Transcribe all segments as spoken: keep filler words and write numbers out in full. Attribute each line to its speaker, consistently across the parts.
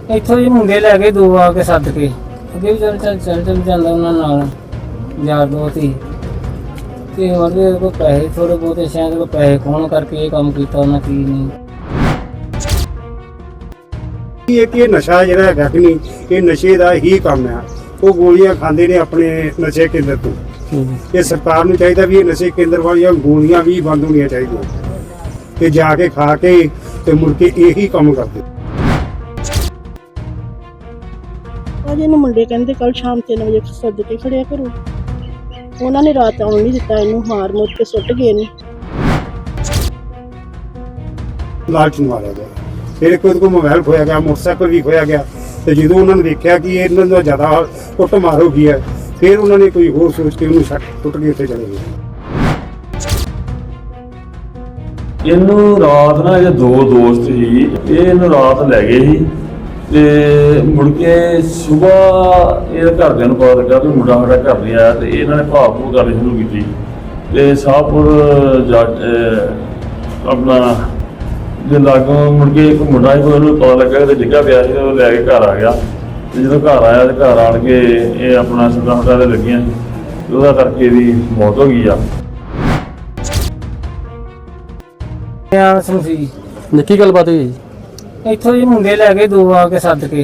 Speaker 1: ਇੱਥੋਂ ਜੀ ਮੁੰਡੇ ਲੈ ਕੇ ਦੋ ਆ ਕੇ ਸੱਦ ਕੇ ਅੱਗੇ ਵੀ ਚੱਲ ਚੱਲ ਚੱਲ ਚੱਲ ਜਾਂਦਾ ਉਹਨਾਂ ਨਾਲ ਯਾਰ ਦੋਸਤ ਹੀ ਤੇ ਉਹਦੇ ਕੋਲ ਪੈਸੇ ਥੋੜੇ ਬਹੁਤੇ ਸ਼ਾਇਦ ਕੋਈ ਪੈਸੇ ਕੌਣ ਕਰਕੇ ਇਹ ਕੰਮ ਕੀਤਾ ਉਹਨਾਂ ਕੀ ਨਹੀਂ।
Speaker 2: ਇਹ ਕਿ ਇਹ ਨਸ਼ਾ ਜਿਹੜਾ ਹੈਗਾ ਕਿ ਨਹੀਂ, ਇਹ ਨਸ਼ੇ ਦਾ ਹੀ ਕੰਮ ਆ। ਉਹ ਗੋਲੀਆਂ ਖਾਂਦੇ ਨੇ ਆਪਣੇ ਨਸ਼ੇ ਕੇਂਦਰ ਤੋਂ। ਇਹ ਸਰਕਾਰ ਨੂੰ ਚਾਹੀਦਾ ਵੀ ਇਹ ਨਸ਼ੇ ਕੇਂਦਰ ਵਾਲੀਆਂ ਗੋਲੀਆਂ ਵੀ ਬੰਦ ਹੋਣੀਆਂ ਚਾਹੀਦੀਆਂ ਤੇ ਜਾ ਕੇ ਖਾ ਕੇ ਤੇ ਮੁੜ ਕੇ ਇਹੀ ਕੰਮ ਕਰਦੇ।
Speaker 3: ਅੱਜ ਇਹਨੂੰ ਮੁੰਡੇ ਕਹਿੰਦੇ ਕੱਲ ਸ਼ਾਮ ਤਿੰਨ ਵਜੇ ਸੱਦ ਕੇ ਖੜਿਆ ਕਰੋ। ਉਹਨਾਂ ਨੇ ਰਾਤ ਆਉਣ ਨਹੀਂ ਦਿੱਤਾ, ਇਹਨੂੰ ਮਾਰ ਮੁੱਕ ਕੇ ਸੁੱਟ ਗਏ ਨੇ।
Speaker 2: ਲਾਲਚ ਨੂੰ ਮਾਰਿਆ ਗਿਆ। ਫਿਰ ਕੋਈ ਕੋਲ ਮੋਬਾਈਲ ਖੋਇਆ ਗਿਆ, ਮੋਟਰਸਾਈਕਲ ਵੀ ਖੋਇਆ ਗਿਆ ਤੇ ਜਦੋਂ ਉਹਨਾਂ ਨੇ ਦੇਖਿਆ ਕਿ ਇਹਨਾਂ ਦਾ ਜ਼ਿਆਦਾ ਕੁੱਟ ਮਾਰ ਹੋ ਗਈ ਹੈ, ਫਿਰ ਉਹਨਾਂ ਨੇ ਕੋਈ ਹੋਰ ਸੋਚ ਕੇ ਉਹਨੂੰ ਛੱਡ ਟੁੱਟ ਕੇ ਉੱਥੇ ਚਲੇ ਗਏ।
Speaker 4: ਇਹਨੂੰ ਰਾਤ ਨਾ ਇਹ ਦੋ ਦੋਸਤ ਸੀ, ਇਹ ਇਹਨੂੰ ਰਾਤ ਲੈ ਗਏ ਸੀ ਤੇ ਮੁੜ ਕੇ ਸਵੇਰ ਇਹ ਘਰਦਿਆਂ ਨੂੰ ਪਤਾ ਲੱਗਾ ਵੀ ਮੁੰਡਾ ਸਾਡਾ ਘਰ ਨਹੀਂ ਆਇਆ ਤੇ ਇਹਨਾਂ ਨੇ ਭਾਵ ਭੂਵ ਕਰਨੀ ਸ਼ੁਰੂ ਕੀਤੀ ਤੇ ਸ਼ਾਹਪੁਰ ਜਾ ਆਪਣਾ ਜੇ ਲਾਗੋਂ ਮੁੜ ਕੇ ਇੱਕ ਮੁੰਡਾ ਸੀ, ਉਹਨੂੰ ਪਤਾ ਲੱਗਾ ਕਿ ਡਿੱਗਾ ਪਿਆ ਸੀ, ਉਹ ਲੈ ਕੇ ਘਰ ਆ ਗਿਆ ਤੇ ਜਦੋਂ ਘਰ ਆਇਆ ਤੇ ਘਰ ਆਣ ਕੇ ਇਹ ਆਪਣਾ ਸੱਟਾਂ ਸੁੱਟਾਂ ਤੇ ਲੱਗੀਆਂ ਸੀ, ਉਹਦਾ ਕਰਕੇ ਇਹਦੀ ਮੌਤ ਹੋ ਗਈ ਆ।
Speaker 1: ਆ ਸਮਝੀ
Speaker 5: ਕੀ ਗੱਲਬਾਤ ਹੋਈ ਜੀ?
Speaker 1: ਇੱਥੋਂ ਜੀ ਮੁੰਡੇ ਲੈ ਕੇ ਦੋ ਆ ਕੇ ਸੱਦ ਕੇ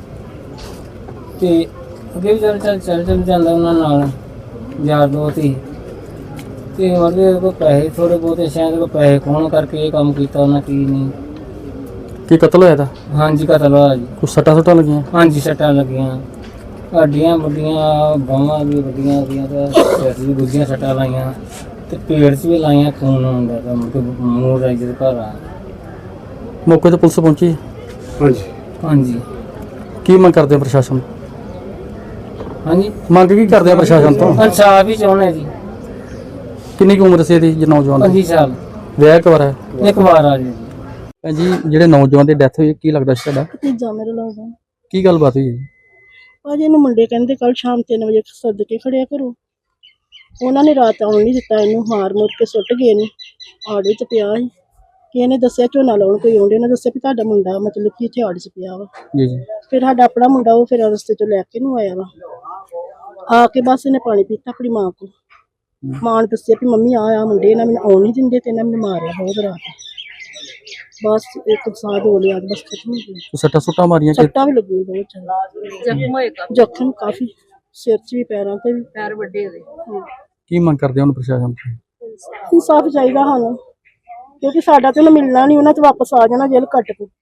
Speaker 1: ਤੇ ਅੱਗੇ ਵੀ ਚੱਲ ਚੱਲ ਚੱਲ ਚੱਲ ਜਾਂਦਾ ਉਹਨਾਂ ਨਾਲ ਯਾਰ ਦੋਸਤ ਹੀ ਤੇ ਉਹਦੇ ਕੋਲ ਪੈਸੇ ਥੋੜੇ ਬਹੁਤੇ ਸ਼ਾਇਦ ਕੋਈ ਪੈਸੇ ਕੌਣ ਕਰਕੇ ਇਹ ਕੰਮ ਕੀਤਾ ਉਹਨਾਂ ਕੀ ਨਹੀਂ।
Speaker 5: ਕੀ ਕਤਲ ਹੋਇਆ ਤਾਂ?
Speaker 1: ਹਾਂਜੀ ਕਤਲ ਹੋਇਆ ਜੀ।
Speaker 5: ਕੁਛ ਸੱਟਾਂ ਸੁੱਟਾਂ ਲੱਗੀਆਂ?
Speaker 1: ਹਾਂਜੀ ਸੱਟਾਂ ਲੱਗੀਆਂ, ਹੱਡੀਆਂ ਵੱਡੀਆਂ, ਬਾਹਾਂ ਵੀ ਵੱਡੀਆਂ ਉਹਦੀਆਂ ਤੇ ਸਿਰ 'ਚ ਵੀ ਦੂਜੀਆਂ ਸੱਟਾਂ ਲਾਈਆਂ ਤੇ ਪੇਟ 'ਚ ਵੀ ਲਾਈਆਂ, ਖੂਨ ਆਉਂਦਾ ਤਾਂ ਮੁੜ ਕੇ ਮੂੰਹ ਰਾਈ ਦੇ ਘਰ ਆ।
Speaker 5: ਮੌਕੇ ਤੇ ਪੁਲਿਸ ਪਹੁੰਚੀ?
Speaker 2: ਹਾਂਜੀ
Speaker 1: ਹਾਂਜੀ
Speaker 5: ਕੀ ਮੰਗ ਕਰਦੇ ਆ ਪ੍ਰਸ਼ਾਸਨ?
Speaker 1: ਹਾਂਜੀ
Speaker 5: ਮੰਗ ਕੀ ਕਰਦੇ ਆ ਪ੍ਰਸ਼ਾਸਨ ਤੋਂ?
Speaker 1: ਇਨਸਾਫ ਹੀ ਚਾਹੁੰਦੇ ਜੀ।
Speaker 5: ਕਿੰਨੀ ਕੁ ਉਮਰ ਸੀ ਇਹਦੀ ਜੇ ਨੌਜਵਾਨ ਦੀ?
Speaker 1: ਪੰਜੀ ਸਾਲ
Speaker 5: ਵਿਆਹ ਇੱਕ ਵਾਰ ਹੈ?
Speaker 1: ਇੱਕ ਵਾਰ ਆ ਜੀ।
Speaker 5: ਭੈਣ ਜੀ ਜਿਹੜੇ ਨੌਜਵਾਨ ਦੀ ਡੈਥ ਹੋਈ ਕੀ ਲੱਗਦਾ ਸੀ ਤੁਹਾਡਾ?
Speaker 3: ਭਤੀਜਾ ਮੇਰੇ ਲੱਗਦਾ।
Speaker 5: ਕੀ ਗੱਲਬਾਤ ਹੋਈ ਜੀ?
Speaker 3: ਅੱਜ ਇਹਨੂੰ ਮੁੰਡੇ ਕਹਿੰਦੇ ਕੱਲ ਸ਼ਾਮ ਤਿੰਨ ਵਜੇ ਸੱਦ ਕੇ ਖੜਿਆ ਕਰੋ। ਉਹਨਾਂ ਨੇ ਰਾਤ ਆਉਣ ਨਹੀਂ ਦਿੱਤਾ, ਇਹਨੂੰ ਮਾਰ ਮੁੱਕ ਕੇ ਸੁੱਟ ਗਏ ਨੇ। ਆੜ ਵਿੱਚ ਪਿਆ ਸੀ ਕਿ ਇਹਨੇ ਦੱਸਿਆ ਝੋਨਾ ਲਾਉਣ ਕੋਈ ਆਉਂਦੇ, ਉਹਨੇ ਦੱਸਿਆ ਵੀ ਤੁਹਾਡਾ ਮੁੰਡਾ ਮਤਲਬ ਕਿ ਇੱਥੇ ਆੜ 'ਚ ਪਿਆ ਵਾ।
Speaker 5: ਜੀ ਜੀ।
Speaker 3: ਫਿਰ ਸਾਡਾ ਆਪਣਾ ਮੁੰਡਾ ਉਹ ਫਿਰ ਰਸਤੇ 'ਚੋਂ ਲੈ ਕੇ ਨੂੰ ਆਇਆ ਵਾ। ਆ ਕੇ ਬਸ ਇਹਨੇ ਪਾਣੀ ਪੀਤਾ ਆਪਣੀ ਮਾਂ ਕੋਲ। ਮਾਂ ਨੇ ਦੱਸਿਆ ਵੀ ਮੰਮੀ ਆ ਆ ਮੁੰਡੇ ਇਹਨਾਂ ਮੈਨੂੰ ਆਉਣ ਨਹੀਂ ਦਿੰਦੇ ਤੇ ਇਹਨਾਂ ਮੈਨੂੰ ਮਾਰਿਆ ਬਹੁਤ ਰਾਤ। ਬਸ ਇੱਕ ਸਾਹ ਹੋ ਲਿਆ ਬਸ ਖਤਮ ਹੋ ਗਿਆ।
Speaker 5: ਸੱਟਾਂ ਸੁੱਟਾਂ ਮਾਰੀਆਂ ਕਿ?
Speaker 3: ਸੱਟਾਂ ਵੀ ਲੱਗੀਆਂ ਬਹੁਤ ਜ਼ਿਆਦਾ। ਜ਼ਖਮ ਹੋਏ ਕਾਫੀ। ਜ਼ਖਮ ਕਾਫੀ ਸਿਰ 'ਚ ਵੀ, ਪੈਰਾਂ 'ਤੇ ਵੀ। ਪੈਰ ਵੱਡੇ ਹੋਏ।
Speaker 5: ਕੀ ਮੰਗ ਕਰਦੇ ਹੁਣ ਪ੍ਰਸ਼ਾਸਨ ਤੋਂ?
Speaker 3: ਇਨਸਾਫ ਚਾਹੀਦਾ ਸਾਨੂੰ ਕਿਉਂਕਿ ਸਾਡਾ ਤੇ ਉਹਨੂੰ ਮਿਲਣਾ ਨਹੀਂ, ਉਹਨਾਂ 'ਚ ਵਾਪਸ ਆ ਜਾਣਾ ਜੇਲ੍ਹ ਕੱਟ ਕੇ।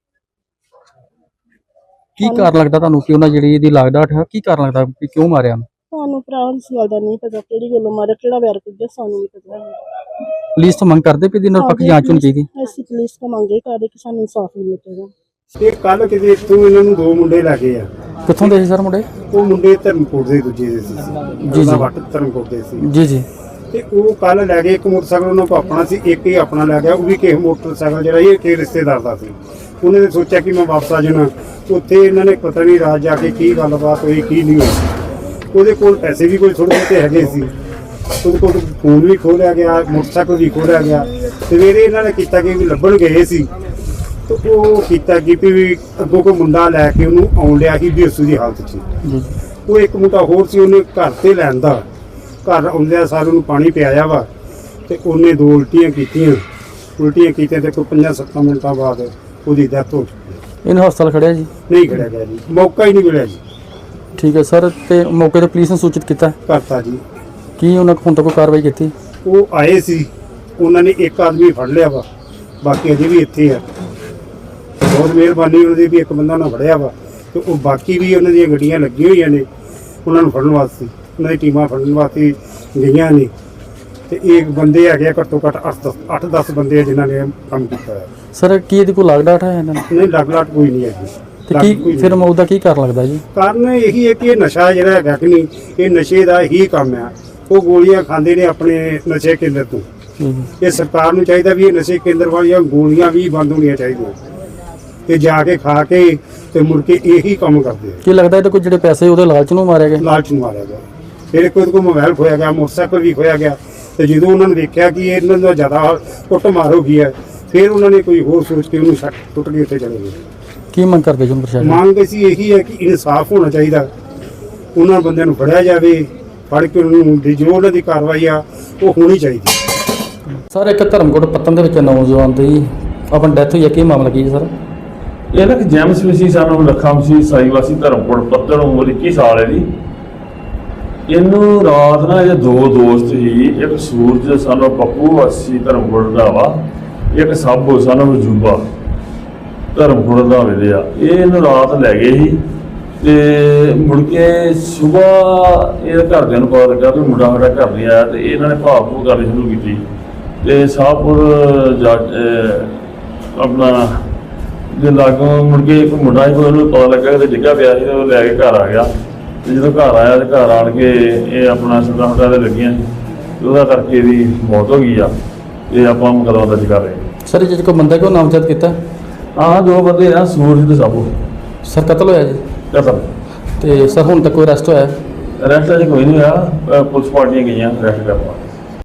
Speaker 5: ਕੀ ਕਾਰਨ ਲੱਗਦਾ ਤੁਹਾਨੂੰ ਕਿ ਉਹਨਾਂ ਜਿਹੜੀ ਇਹਦੀ ਲਾਗਡਾਟ ਹੈ, ਕੀ ਕਾਰਨ ਲੱਗਦਾ ਕਿ ਕਿਉਂ ਮਾਰਿਆ?
Speaker 3: ਸਾਨੂੰ ਭਰਾ ਇਸ ਗੱਲ ਦਾ ਨਹੀਂ ਪਤਾ ਕਿਹੜੀ ਗੱਲੋਂ ਮਾਰਿਆ, ਕਿਹੜਾ ਵੈਰ ਕੱਢਿਆ, ਸਾਨੂੰ ਨਹੀਂ ਪਤਾ।
Speaker 5: ਪੁਲਿਸ ਤੋਂ ਮੰਗ ਕਰਦੇ ਵੀ ਇਹਦੀ ਨਿਰਪੱਖ ਜਾਂਚ ਹੋਣੀ ਚਾਹੀਦੀ?
Speaker 3: ਅਸੀਂ ਪੁਲਿਸ ਤੋਂ ਮੰਗੇ ਕਰਦੇ ਕਿ ਸਾਨੂੰ ਇਨਸਾਫ ਮਿਲੇ ਚਾਹੀਦਾ।
Speaker 2: ਇਹ ਕੱਲ ਕਿਤੇ ਇੱਥੋਂ ਇਹਨਾਂ ਨੂੰ ਦੋ ਮੁੰਡੇ ਲੈ ਗਏ ਆ।
Speaker 5: ਕਿੱਥੋਂ ਦੇ ਸੀ ਸਰ ਮੁੰਡੇ?
Speaker 2: ਉਹ ਮੁੰਡੇ ਧਰਮਕੋਟ ਦੇ ਦੂਜੇ ਦੇ ਸੀ।
Speaker 5: ਜੀ ਜੀ।
Speaker 2: ਵੱਟ ਧਰਮਕੋਟ ਦੇ ਸੀ।
Speaker 5: ਜੀ ਜੀ।
Speaker 2: ਤੇ ਉਹ ਕੱਲ ਲੈ ਗਏ। ਇੱਕ ਮੋਟਰਸਾਈਕਲ ਉਹਨਾਂ ਕੋਲ ਆਪਣਾ ਸੀ, ਇੱਕ ਹੀ ਆਪਣਾ ਲੈ ਗਿਆ। ਉਹ ਵੀ ਕਿਸੇ ਮੋਟਰਸਾਈਕਲ ਜਿਹੜਾ ਇਹ ਕਿਸੇ ਰਿਸ਼ਤੇਦਾਰ ਦਾ ਸੀ। ਉਹਨੇ ਨੇ ਸੋਚਿਆ ਕਿ ਮੈਂ ਵਾਪਸ ਆ ਜਾਣਾ। ਉੱਥੇ ਇਹਨਾਂ ਨੇ ਪਤਾ ਨਹੀਂ ਰਾਤ ਜਾ ਕੇ ਕੀ ਗੱਲਬਾਤ ਹੋਈ ਕੀ ਨਹੀਂ ਹੋਈ। ਉਹਦੇ ਕੋਲ ਪੈਸੇ ਵੀ ਕੋਈ ਥੋੜ੍ਹੇ ਬਹੁਤੇ ਹੈਗੇ ਸੀ। ਉਹਦੇ ਕੋਲ ਫੋਨ ਵੀ ਖੋਹ ਲਿਆ ਗਿਆ, ਮੋਟਰਸਾਈਕਲ ਵੀ ਖੋਹ ਲਿਆ ਗਿਆ। ਸਵੇਰੇ ਇਹਨਾਂ ਨੇ ਕੀਤਾ ਕਿ ਵੀ ਲੱਭਣ ਗਏ ਸੀ ਤੇ ਉਹ ਕੀਤਾ ਕਿ ਵੀ ਅੱਗੋਂ ਕੋਈ ਮੁੰਡਾ ਲੈ ਕੇ ਉਹਨੂੰ ਆਉਣ ਲਿਆ ਸੀ ਬੇਸੂ ਦੀ ਹਾਲਤ 'ਚ। ਉਹ ਇੱਕ ਮੁੰਡਾ ਹੋਰ ਸੀ, ਉਹਨੇ ਘਰ ਤੇ ਲੈਣ ਦਾ ਘਰ ਆਉਂਦਿਆਂ ਸਾਰ ਉਹਨੂੰ ਪਾਣੀ ਪਿਆਇਆ ਵਾ ਤੇ ਉਹਨੇ ਦੋ ਉਲਟੀਆਂ ਕੀਤੀਆਂ। ਉਲਟੀਆਂ ਕੀਤੀਆਂ ਤੇ ਕੋਈ ਪੰਜਾਂ ਸੱਤਾਂ ਮਿੰਟਾਂ ਬਾਅਦ ਉਹਦੀ ਡੈਥ ਹੋ ਚੁੱਕੀ।
Speaker 5: ਇਹਨੂੰ ਹਸਪਤਾਲ ਖੜਿਆ ਜੀ?
Speaker 2: ਨਹੀਂ ਖੜਿਆ ਗਿਆ ਜੀ, ਮੌਕਾ ਹੀ ਨਹੀਂ ਮਿਲਿਆ ਜੀ।
Speaker 5: ਠੀਕ ਹੈ ਸਰ। ਤੇ ਮੌਕੇ ਤੇ ਪੁਲਿਸ ਨੇ ਸੂਚਿਤ ਕੀਤਾ?
Speaker 2: ਕਰਤਾ ਜੀ।
Speaker 5: ਕੀ ਉਹਨਾਂ ਕੋਲ ਹੁਣ ਤੱਕ ਕੋਈ ਕਾਰਵਾਈ ਕੀਤੀ?
Speaker 2: ਉਹ ਆਏ ਸੀ, ਉਹਨਾਂ ਨੇ ਇੱਕ ਆਦਮੀ ਫੜ ਲਿਆ ਵਾ, ਬਾਕੀ ਅਜੇ ਵੀ ਇੱਥੇ ਆ। ਬਹੁਤ ਮਿਹਰਬਾਨੀ ਉਹਨਾਂ ਦੀ ਵੀ ਇੱਕ ਬੰਦਾ ਉਹਨਾਂ ਫੜਿਆ ਵਾ ਤੇ ਉਹ ਬਾਕੀ ਵੀ ਉਹਨਾਂ ਦੀਆਂ ਗੱਡੀਆਂ ਲੱਗੀਆਂ ਹੋਈਆਂ ਨੇ ਉਹਨਾਂ ਨੂੰ ਫੜਨ ਵਾਸਤੇ। ਉਹਨਾਂ ਦੀ ਟੀਮਾਂ ਫੜਨ ਵਾਸਤੇ ਗਈਆਂ ਨੇ ਤੇ ਇੱਕ ਬੰਦੇ ਹੈਗੇ ਆ ਘੱਟੋ ਘੱਟ ਅੱਠ ਦਸ ਬੰਦੇ ਆ ਜਿਨ੍ਹਾਂ ਨੇ ਕੰਮ ਕੀਤਾ ਹੈ।
Speaker 5: ਸਰ ਕੀ ਇਹਦੀ ਕੋਈ ਲਾਗਡਾਟ ਹੈ ਇਹਨਾਂ ਨੂੰ?
Speaker 2: ਨਹੀਂ ਲੱਗ ਲਾਟ ਕੋਈ ਨਹੀਂ ਹੈਗੀ।
Speaker 5: ਤੇ ਕੀ ਫਿਰ ਮੌਤ ਦਾ ਕੀ ਕਾਰਨ ਲੱਗਦਾ ਜੀ?
Speaker 2: ਕਾਰਨ ਇਹੀ ਹੈ ਕਿ ਇਹ ਨਸ਼ਾ ਜਿਹੜਾ ਹੈਗਾ ਕਿ ਨਹੀਂ, ਇਹ ਨਸ਼ੇ ਦਾ ਹੀ ਕੰਮ ਆ। ਉਹ ਗੋਲੀਆਂ ਖਾਂਦੇ ਨੇ ਆਪਣੇ ਨਸ਼ੇ ਕੇਂਦਰ ਤੋਂ। ਇਹ ਸਰਕਾਰ ਨੂੰ ਚਾਹੀਦਾ ਵੀ ਇਹ ਨਸ਼ੇ ਕੇਂਦਰ ਵਾਲੀਆਂ ਗੋਲੀਆਂ ਵੀ ਬੰਦ ਹੋਣੀਆਂ ਚਾਹੀਦੀਆਂ ਤੇ ਜਾ ਕੇ ਖਾ ਕੇ ਤੇ ਮੁੜ ਕੇ ਇਹੀ ਕੰਮ ਕਰਦੇ ਆ।
Speaker 5: ਕੀ ਲੱਗਦਾ ਇਹਦੇ ਕੋਈ ਜਿਹੜੇ ਪੈਸੇ ਉਹਦੇ ਲਾਲਚ ਨੂੰ ਮਾਰਿਆ ਗਿਆ?
Speaker 2: ਲਾਲਚ ਨੂੰ ਮਾਰਿਆ ਗਿਆ। ਫਿਰ ਕੋਈ ਕੋਲ ਮੋਬਾਈਲ ਖੋਇਆ ਗਿਆ, ਮੋਟਰਸਾਈਕਲ ਵੀ ਖੋਇਆ ਗਿਆ ਤੇ ਜਦੋਂ ਉਹਨਾਂ ਨੇ ਦੇਖਿਆ ਕਿ ਇਹਨਾਂ ਦਾ ਜ਼ਿਆਦਾ ਕੁੱਟ ਮਾਰ ਹੋ ਗਈ ਹੈ, ਫਿਰ ਉਹਨਾਂ ਨੇ ਕੋਈ ਹੋਰ ਸੋਚ ਕੇ ਉਹਨੂੰ ਛੱਡ ਟੁੱਟ ਕੇ ਉੱਥੇ ਚਲੇ ਗਏ।
Speaker 5: ਕੀ ਮੰਗ ਕਰਦੇ ਜੀ ਹੁਣ ਪ੍ਰਸ਼ਾਸਨ?
Speaker 2: ਮੰਗ ਅਸੀਂ ਇਹੀ ਹੈ ਕਿ ਇਨਸਾਫ ਹੋਣਾ ਚਾਹੀਦਾ, ਉਹਨਾਂ ਬੰਦਿਆਂ ਨੂੰ ਫੜਿਆ ਜਾਵੇ, ਫੜ ਕੇ ਉਹਨਾਂ ਨੂੰ ਦੀ ਜੋ ਉਹਨਾਂ ਦੀ ਕਾਰਵਾਈ ਆ ਉਹ ਹੋਣੀ ਚਾਹੀਦੀ।
Speaker 5: ਸਰ ਇੱਕ ਧਰਮਕੋਟ ਪੱਤਨ ਦੇ ਵਿੱਚ ਨੌਜਵਾਨ ਦੀ ਆਪਣੀ ਡੈਥ ਹੋਈ ਹੈ, ਕੀ ਮਾਮਲਾ ਕੀ ਹੈ ਸਰ?
Speaker 4: ਇਹ ਨਾ ਕਿ ਜੈਮਸ ਵਿਸੀ ਸਾਨੂੰ ਲੱਖਾਂ ਵਿਸੀ ਸਾਈ ਵਾਸੀ ਧਰਮਕੋਟ ਪੱਤਣ ਉਮਰ ਇੱਕੀ ਸਾਲ ਹੈ ਜੀ। ਇਹਨੂੰ ਰਾਤ ਨਾ ਇਹ ਦੋ ਦੋਸਤ ਸੀ, ਇੱਕ ਸੂਰਜ ਸਾਨੂੰ ਪੱਪੂ ਵਾਸੀ ਧਰਮਕੋਟ ਦਾ ਵਾ, ਇੱਕ ਸਾਬੋ ਸਾਨੂੰ ਜੂਬਾ ਧਰਮਕੋਟ ਦਾ ਵੇਲੇ ਆ। ਇਹ ਇਹਨੂੰ ਰਾਤ ਲੈ ਗਏ ਸੀ ਤੇ ਮੁੜ ਕੇ ਸਵੇਰ ਇਹ ਘਰਦਿਆਂ ਨੂੰ ਪਤਾ ਲੱਗਾ ਵੀ ਮੁੰਡਾ ਸਾਡਾ ਘਰ ਨਹੀਂ ਆਇਆ, ਤੇ ਇਹਨਾਂ ਨੇ ਭਾਵ ਭੂ ਕਰਨੀ ਸ਼ੁਰੂ ਕੀਤੀ ਤੇ ਸਾਹਪੁਰ ਜਾ ਅਹ ਆਪਣਾ ਜੇ ਲਾਗੋਂ ਮੁੜ ਕੇ ਇੱਕ ਮੁੰਡਾ ਸੀ, ਉਹਨੂੰ ਪਤਾ ਲੱਗਾ ਕਿ ਡਿੱਗਾ ਪਿਆ ਸੀ, ਉਹ ਲੈ ਕੇ ਘਰ ਆ ਗਿਆ। ਤੇ ਜਦੋਂ ਘਰ ਆਇਆ ਤੇ ਘਰ ਆਣ ਕੇ ਇਹ ਆਪਣਾ ਸਦਾ ਹੁੰਦਾ ਤੇ ਲੱਗੀਆਂ ਸੀ, ਤੇ ਉਹਦਾ ਕਰਕੇ ਇਹਦੀ ਮੌਤ ਹੋ ਗਈ ਆ। ਇਹ ਆਪਾਂ ਮੁਕੱਦਮਾ ਦਰਜ ਕਰ ਰਹੇ ਹਾਂ।
Speaker 5: ਸਰ ਜੇ ਕੋਈ ਬੰਦਾ ਕਿਉਂ ਨਾਮਜ਼ਦ ਕੀਤਾ?
Speaker 4: ਆਹ ਦੋ ਬੰਦੇ ਆ, ਸੂਰਜ ਤੇ ਸਾਬੋ
Speaker 5: ਸਰ ਕਤਲ ਹੋਇਆ ਜੀ?
Speaker 4: ਕਤਲ।
Speaker 5: ਤੇ ਸਰ ਹੁਣ ਤੱਕ ਕੋਈ ਅਰੈਸਟ ਹੋਇਆ?
Speaker 4: ਅਰੈਸਟ ਅਜੇ ਕੋਈ ਨਹੀਂ ਹੋਇਆ, ਅਹ ਪੁਲਿਸ ਪਾਰਟੀਆਂ ਗਈਆਂ ਅਰੈਸਟ ਕਰਨ ਵਾਸਤੇ।